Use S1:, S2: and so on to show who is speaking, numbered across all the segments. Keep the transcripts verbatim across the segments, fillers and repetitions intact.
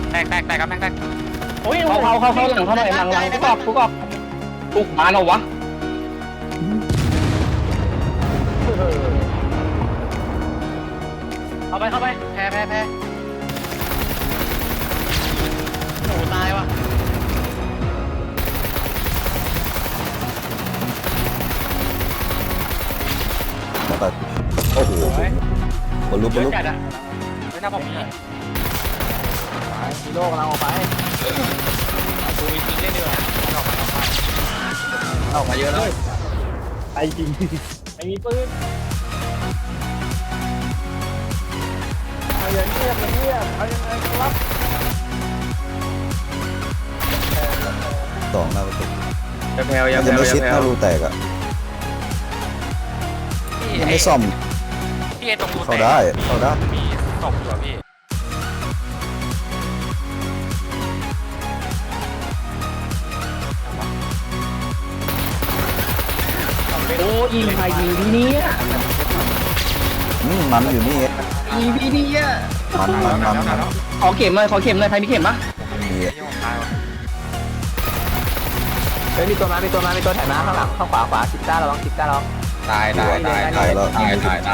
S1: แตกแตกแตกครับแตกแตก
S2: โอ้ยเขาเขาเขาเขาหลังเขาหน่อยหลังหลังกูกอบกูกอบกูมาแล้ววะเข้าไปเข้าไปแพ้แพ้แพ้โอ้ตายวะ
S3: แต่โอ้โหบอลลูนบอลลูน
S1: จัดอะไม่น่าผมมี
S2: ฮีโร่กำลังออกไป
S1: ดูจริงเล่นดีกว่าออกมาออกมา
S2: ออกมาเยอะแล้วไอ้จริงไม่มีปืนเอาอย่างเงียบอย่างเงียบเอายังไงครับ
S3: สองหน้าประตู
S1: ยังแพลวยั
S3: มั
S1: ง
S3: น
S1: แพ
S3: จะ
S1: ลว
S3: ไม่
S1: ยั
S3: ชิด
S1: งแพล
S3: ถ้าว รูแตกอ่ะยังไม่ซ่อม
S1: พี่เอตรงรู
S3: เข้าได้เข้าได้
S1: มีตกอยู่พี่
S2: โอ้ยิงใครยิงที่นี่อ่ะ
S3: อืมมันอยู่นี่
S2: ยิงที่นี่อ่ะ
S3: มันมันมันมัน
S2: ขอเข็มหน่อยขอเข็มหน่อยใครมีเข็มปะ
S3: มี
S1: ที่ผมตายวะ
S4: เฮ้ยมีตัวมามีตัวมามีตัวถ่ายมาข้างหลังข้างขวาขวาสิบเก้าระวังสิบเก้าระวัง
S1: ตายตายตายตายตายตายตาย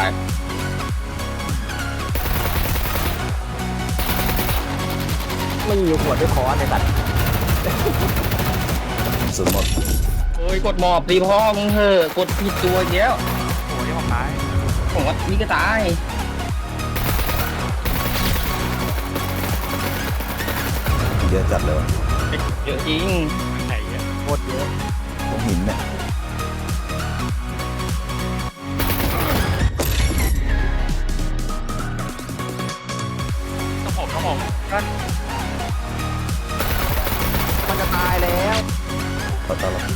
S4: ไม่มีขวดด้วยคอในสัตว์
S3: สุดหมด
S2: โอ้ยกดหมอบตีพ่อมึงเถอะกดผิดตัวเยอะ
S1: โอ้ยที่ผมตาย
S2: ผมว่านี่ก็ตาย
S3: เยอะจัดเลยวะ
S2: เยอะจริง
S1: ไหนเนี่ย
S4: โคตรเยอะ
S3: ตรงหินเนี่ย
S1: ต้องผมต้องผมก็
S4: มันจะตายแล้ว
S3: ขอต้อนรับ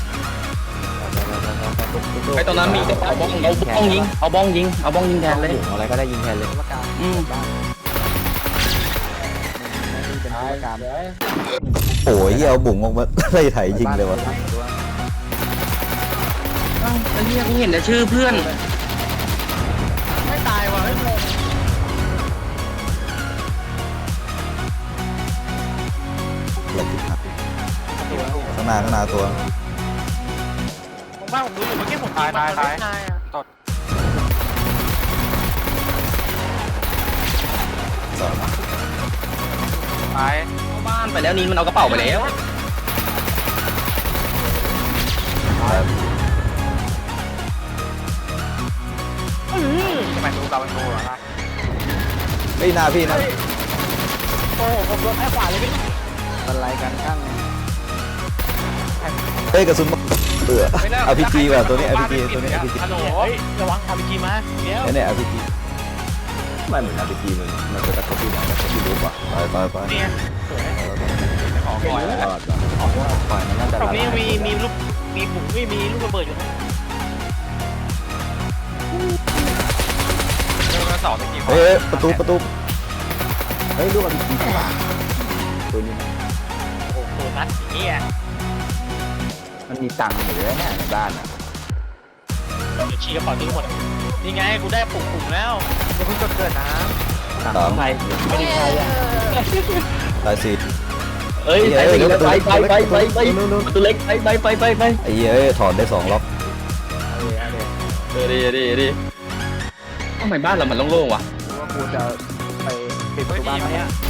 S2: ไอตอนนั้นมีเอาบ้องเอาบ้องยิงเอาบ้องยิงเอาบ้องยิงแทนเลย
S4: อะไรก็ได้ยิงแทนเลยว่าการ
S2: อืม
S4: เป็นว่าการ
S3: โอ้ยเอาบุ๋งออกมาไล่ไถยิงเลยวะ
S2: เอ้าไอ้เหี้ยกูเห็นแต่ชื่อเพื่อน
S1: ไม่ตายวะไม่งง
S3: หลบผิดหักข้างหน้าข้างหน้าตัว
S1: ผมว่าผมรู้อยู่เมื่อกี้ผมตายตายตายตด
S3: สอง
S1: ตาย
S2: เข้าบ้านไปแล้วนี่มันเอากระเป๋าไปแล้ว
S1: ทำไมดูเราเป็นตัวล่ะ
S3: เฮ้ยหน้าพี่นะ
S1: โอ้ผมโดนแค่ขวาเลยพี่
S4: อะไรกันข้าง
S3: เฮ้ยกระสุนเบื่ออาพีจีว่ะตัวนี้อาพีจีตัวนี้อาพีจี
S1: ฮัลโหลระวังอาพีจีมาเดี๋ยว
S3: เนี่ยอาพีจีไม่เหมือนอาพีจีมันมันจะตะกบอยู่ไหนตะกบอยู่รูปอ่ะไปไปไป
S1: เนี่ยสวยขอก่อน
S3: รอดรอดปล่อยมันน่าจะ
S1: ตรงนี้มีมีลูกมีบุ๋มไม่มีลูกระเบิดอยู่นะเรื่องสองตะกี้
S3: เฮ้ยประตูประตูเฮ้ยลูกอาพีจีตัวนี้
S1: โอ้โหตัวนัดอย่างนี้อ่ะ
S4: มันมีตังค์อยู่เลยเนี่ยในบ้านอ่ะ
S1: เดี๋ยวชี้กระเป๋าทิ้งหมดนี่ไงกูได้ปุ่มปุ่มแล้ว
S4: อย่าเพิ่งจดเกิดนะ
S3: สาม
S2: ไปไม่ได้ใครอ่ะ
S3: ตายสี่
S2: เอ้ยไปไปไปไปไปไปตัวเล็กไปไปไปไปไป
S3: ไอ้เหี้ยถอนได้สองล็อก
S2: เออดีดีดีทำไมบ้านเรามันโล่งๆวะ
S4: ว่ากูจะไปปิดประตูบ้านไหมอ่ะ